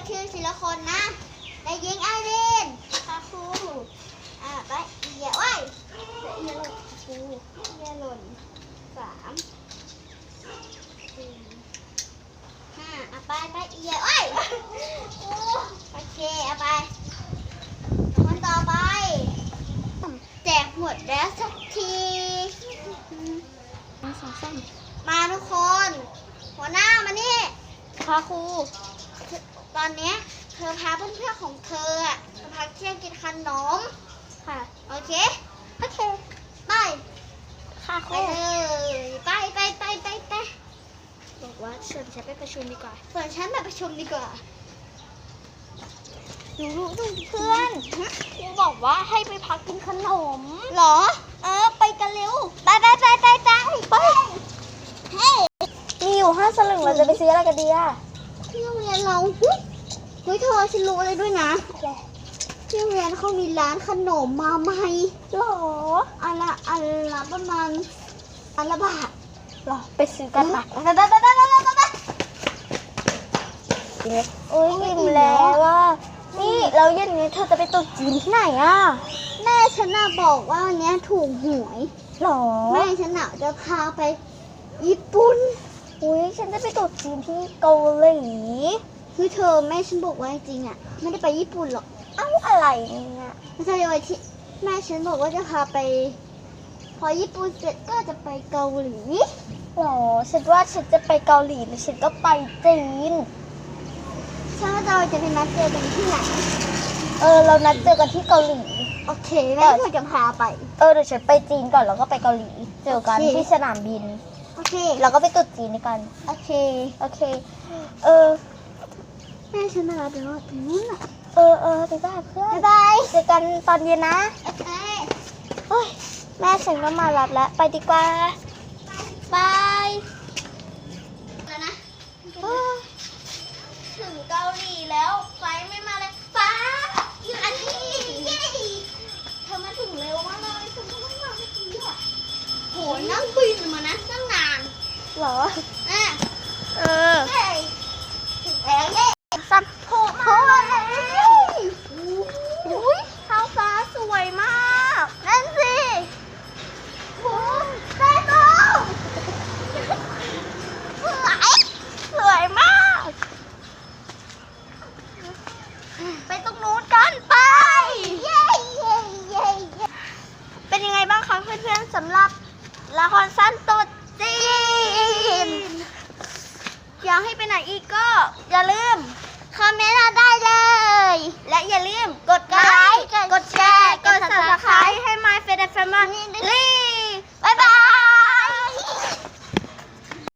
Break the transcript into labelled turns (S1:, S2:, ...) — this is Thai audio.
S1: ชื่อทีละคนนะนายหญิงไอรินค่ะครูไปเอียไว้เอียหล่นครูเอียหล่น3 4 5ไปเอียไว้โอเคไปคนต่อไปแจกหมดแล้วสักทีมาทุกคนหัวหน้ามานี่ค่ะครูตอนนี้เธอพาเพื่อนๆของเธอมาพักเที่ยงกินขนมค่ะโอเคไปค่ะครูไปเลยไปบอกว่าชวนฉันไปประชุมดีกว่าชวนฉันไปประชุมดีกว่าดูเพื่อนครูบอกว่าให้ไปพักกินขนมหรอไปกันเร็วไปเฮ้ย
S2: มีอยู่5 สลึงเราจะไปซื้ออะไรกันดีอะ
S1: ที่โรงเรียนเราเฮ้ยเธอฉันรู้อะไรด้วยนะที่โรงเรียนเขามีร้านขนมมาใหม่
S2: หรอ
S1: อันละประมาณอันละบาท
S2: หรอไปซื้อกันปะโอ้ยอิ่มแล้วว่านี่เราเย็นนี้เธอจะไปตุ๊จีนที่ไหนอะ
S1: แม่ฉันน่ะบอกว่าวันนี้ถูกหวย
S2: หรอ
S1: แม่ฉันน่ะจะพาไปญี่ปุ่น
S2: อุ้ยฉันจะไปตุ๊จีนที่เกาหลี
S1: คือเธอแม่ฉันบอกว่าจริงอ่ะไม่ได้ไปญี่ปุ่นหรอก
S2: เอ้าอะไรเนี่ย
S1: ไม่ใช่เลยที่แม่ฉันบอกว่าจะพาไปพอญี่ปุ่นเสร็จก็จะไปเกาหลี
S2: หรอฉันว่าฉันจะไปเกาหลีหรือฉันก็ไปจีน
S1: ฉันว่าเราจะไปนัดเจอกันที่ไหน
S2: เรานัดเจอกันที่เกาหลี
S1: โอเคแม่เธอจะพาไป
S2: เดี๋ยวฉันไปจีนก่อนแล้วก็ไปเกาหลีเจอกันที่สนามบิน
S1: โอเค
S2: แล้วก็ไปตุ๊จีนด้วยกัน
S1: โอเคแม่ฉันมารับแล้วตรงนู้นอ่ะ
S2: ไปบ้านเพื่อน
S1: บ๊ายบาย
S2: เจอกันตอนเย็นนะ
S1: โอเค
S2: โอ้ยแม่ฉันก็มารับแล้วไปดีกว่าบาย
S1: แล้วนะถึงเกาหลีแล้วไฟไม่มาเลยฟ้าอยู่อันนี้เย้เธอมาถึงเร็วมากเลยฉันก็ไม่มาเมื่อกี้อ่ะโหนั่งบินมานะตั้งนาน
S2: หรอ